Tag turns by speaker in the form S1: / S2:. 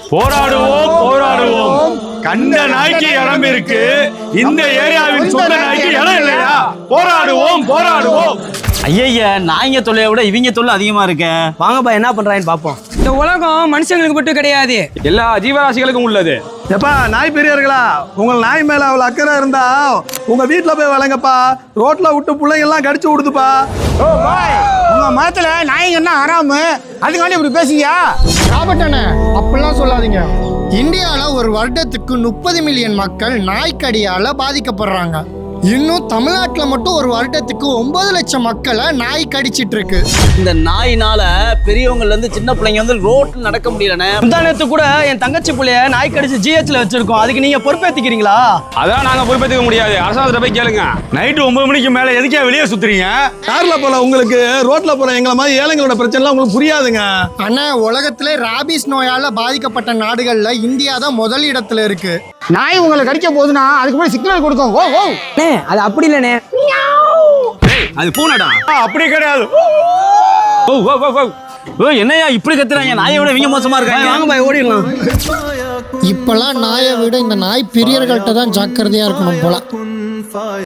S1: போராடுவோம் போராடுவோம். கண்ட நாய்க்கு இடம் இருக்கு, இந்த ஏரியாவின் சொந்த நாய்க்கு இடம் இல்லையா? போராடுவோம் போராடுவோம்.
S2: ஐயா, நாய்ங்க தொல்லையை விட இவங்க தொல்லை அதிகமா இருக்கு.
S3: வாங்கப்பா என்ன பண்றாங்கன்னு பாப்போம்.
S4: இந்த உலகம் மனுஷங்களுக்கு மட்டும் கிடையாது,
S1: எல்லா ஜீவராசிகளுக்கும் உள்ளது.
S5: எப்பா நாய் பெரியர்களா, உங்கள் நாய் மேல அவ்வளவு அக்கறை இருந்தா உங்க வீட்டுல போய் வளங்கப்பா. ரோட்ல விட்டு பிள்ளைங்க எல்லாம் கடிச்சு விடுதுப்பா.
S6: ஓ பாய், உங்க மதத்துல நாய்ங்கன்னா ஹராமு, அதுக்காண்டி இப்படி பேசியா?
S7: ராபர்ட் அண்ணே, அப்படிலாம் சொல்லாதீங்க. இந்தியாவில் ஒரு வருடத்துக்கு 30 மில்லியன் மக்கள் நாய்க்கடியால் பாதிக்கப்படுறாங்க. இன்னும் தமிழ்நாட்டில் மட்டும் ஒரு வருடத்துக்கு 9 லட்சம் மக்களை நாய் கடிச்சிட்டு இருக்கு.
S2: இந்த நாயினால பெரியவங்கல இருந்து சின்ன பிள்ளைங்க வந்து ரோட்ல நடக்க முடியலண்ணே.
S3: முந்தானத்து கூட என் தங்கச்சி பிள்ளைய நாய் கடிச்சு ஜிஹெச்ல வச்சிருக்கோம். அதுக்கு நீங்க பொறுப்பேத்துக்கிறீங்களா?
S1: அதான் நாங்க பொறுப்பேற்றுக்க முடியாது. அரசாங்கத்தை போய் கேளுங்க. நைட்டு 9 மணிக்கு மேல எதுக்கே வெளியே சுத்துறீங்க?
S5: கார்ல போல உங்களுக்கு, ரோட்ல போல எங்களை மாதிரி ஏழைங்களோட பிரச்சனை எல்லாம் உங்களுக்கு புரியாதுங்க.
S7: ஆனா உலகத்திலே ராபிஸ் நோயால பாதிக்கப்பட்ட நாடுகள்ல இந்தியா தான் முதல் இடத்துல இருக்கு.
S6: நாய் உங்களை கடிக்க போகுதுன்னா அதுக்கு போய் சிக்னல் கொடுக்கும். ஓ ஓ,
S4: அது அப்படி இல்லைண்ணே.
S2: அது பூனடா.
S1: அப்படி கிடையாது.
S2: என்னையா இப்படி கத்துறாங்க? நாயை விட இவங்க மோசமா இருக்காங்க.
S3: வாங்க பாய் ஓடிடலாம்.
S7: இப்பெல்லாம் நாயை விட இந்த நாய் பிரியர்கள்ட்ட தான் ஜாக்கிரதையா இருக்கணும் போல.